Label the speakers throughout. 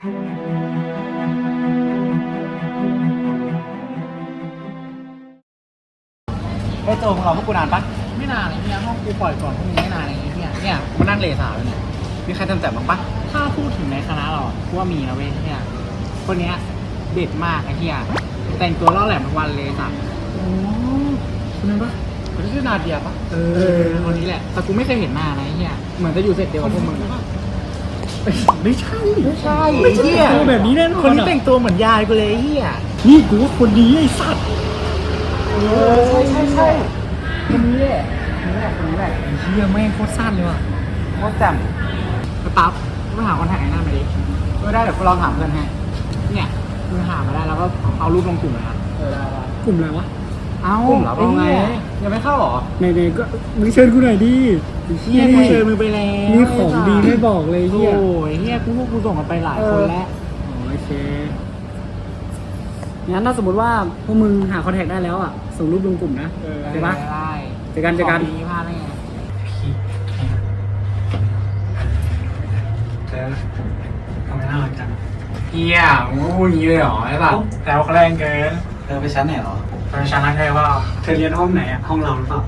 Speaker 1: ไอ้โจมึงรอพวกกูนานปะ
Speaker 2: ไม่นานเลยเนี่ยห้องกูปล่อยก่อนพวกมึงไม่นานอะไรอย่างเงี้ยเนี่ย
Speaker 1: มานั่งเลสาเลยเนี่ยมีใครทำแต่บ้างปะ
Speaker 2: ถ้าพูดถึงในคณะเรากูว่ามีนะเว้ยเนี่ยคนเนี้ยเด็ดมากไอ้เหี้ยแต่งตัวล่อแหลมทุกวันเลยสัตว์
Speaker 1: โอ้คนนั้นปะคนที่ชื่อนาเดียปะ
Speaker 2: คนนี้แหละแต่กูไม่เคยเห็นหน้านะไอ้เหี้ยเหมือนจะอยู่เสร็จเดียวกับพวกมึง
Speaker 1: ไม่ใช่
Speaker 2: ไอ้เหี้ย
Speaker 1: ตัวแบบนี้แน่นอน
Speaker 2: คนนี้แต่งตัวเหมือนยายกูเลยไอ้เหี้ย
Speaker 1: นี่กูว่าคนนี้ไอ้สัตว์
Speaker 2: ใช่
Speaker 1: คนนี้แหละคนนี้แหละไอ้เหี้ยแม่งโคตรสั้นเลยว่ะโคตรแจ่ม
Speaker 2: ไปปั๊บไปหาคอนแทคไอ้หน้ามาดิก็ได้เดี๋ยวกูลองถามเพื่อนให้เนี่ยมึงหามาได้แล้วก็เอารูปลงกลุ่มเลยนะ
Speaker 1: ได้
Speaker 3: กลุ่มอะไรวะ
Speaker 2: เอา
Speaker 1: กลุ่มเหรอ
Speaker 2: เอาไง
Speaker 1: ไอ้เหี้ย
Speaker 2: ยังไม่เข้าหรอ
Speaker 3: ไหนๆก็มึงเชิญกูหน่อยดิ
Speaker 2: เฮียกูเชิญมึงไปแล้ว
Speaker 3: มีของดีไม่บอกเลย
Speaker 2: โอ้
Speaker 3: เฮีย
Speaker 2: ยเฮียกูพวกกูส่งกันไปหลายคนแล้ว
Speaker 3: โอเคงั้นถ้าสมมติว่าพวกมึงหาคอนแทคได้แล้วอ่ะ ส่งรูปลงกลุ่มนะใช่ปะ
Speaker 2: ได้
Speaker 3: เจอกัน
Speaker 2: ของดีพลาดได้ไง
Speaker 1: ทำไมน่ารักจังเฮียมึงพูดอย่างนี้เลยเหรอไอ้สัตว์แล้วแรงเกินเธอไปชั้นไหนหรอไปชั้นนั้นใช่ป่ะเธอเรียนห้องไหนอ่ะห้องเราหรือเปล่า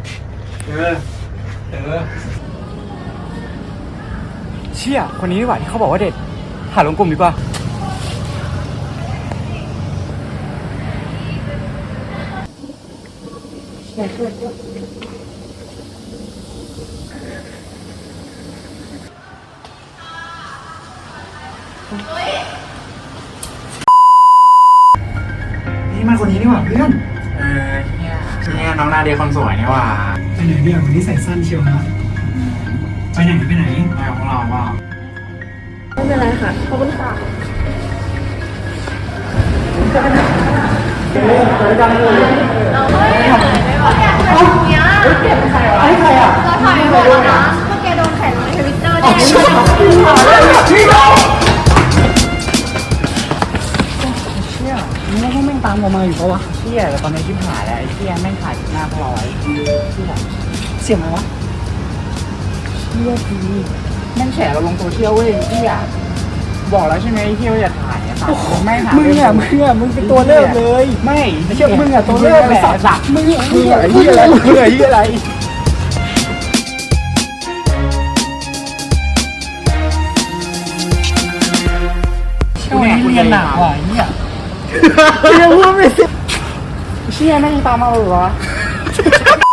Speaker 1: เชี่ยคนนี้ดีกว่าที่เขาบอกว่าเด็ดหาลงกลุ่มดีกว่านี่มันคนนี้นี่หว่าเพื่อนเนี่ยน้องนาเดียคนสวยนี่หว่า
Speaker 3: ไปไหนเนี่ยวันนี้ใส่สั้นเชียวนะไปไหน
Speaker 1: ไปของเราเปล่า
Speaker 4: ไม่เป็นไรค่ะ ขอบคุณค่ะ เราไม่ได้ไม่บอกแกเนี้ยเราถ่ายไม่บอกนะเมื่อแกโดนแข่งในทวิตเตอร์ได้
Speaker 3: เชี่ยมึงว่าพวกแม่งตามเรามาอยู่ปะวะ
Speaker 2: เฮียแต่ตอนนี้ชิบหายแล้วไอ้เฮียแม่งถ่ายหน้าพวกเราไว้เฮีย
Speaker 3: เสียงอะไรวะ
Speaker 2: เฮียทีแม่งแฉเราลงโซเชียลเว้ยเฮียบอกแล้วใช่ไหมเฮียว่าอย่าถ่ายอะสัตว์ไม่ถ่าย
Speaker 3: มึงเป็นตัวเลิกเลย
Speaker 2: ไม่เชื่อมึงอะตัวเลิกแหละสัตว์
Speaker 3: มึง
Speaker 1: ไอ้เหี้ยอะไรไอ้เหี้ยอะไร
Speaker 2: วันนี้เรียนหนักว่ะเฮีย
Speaker 3: เรียกว่าไม่
Speaker 2: เชี่ยแม่งตามมาเหรอวะ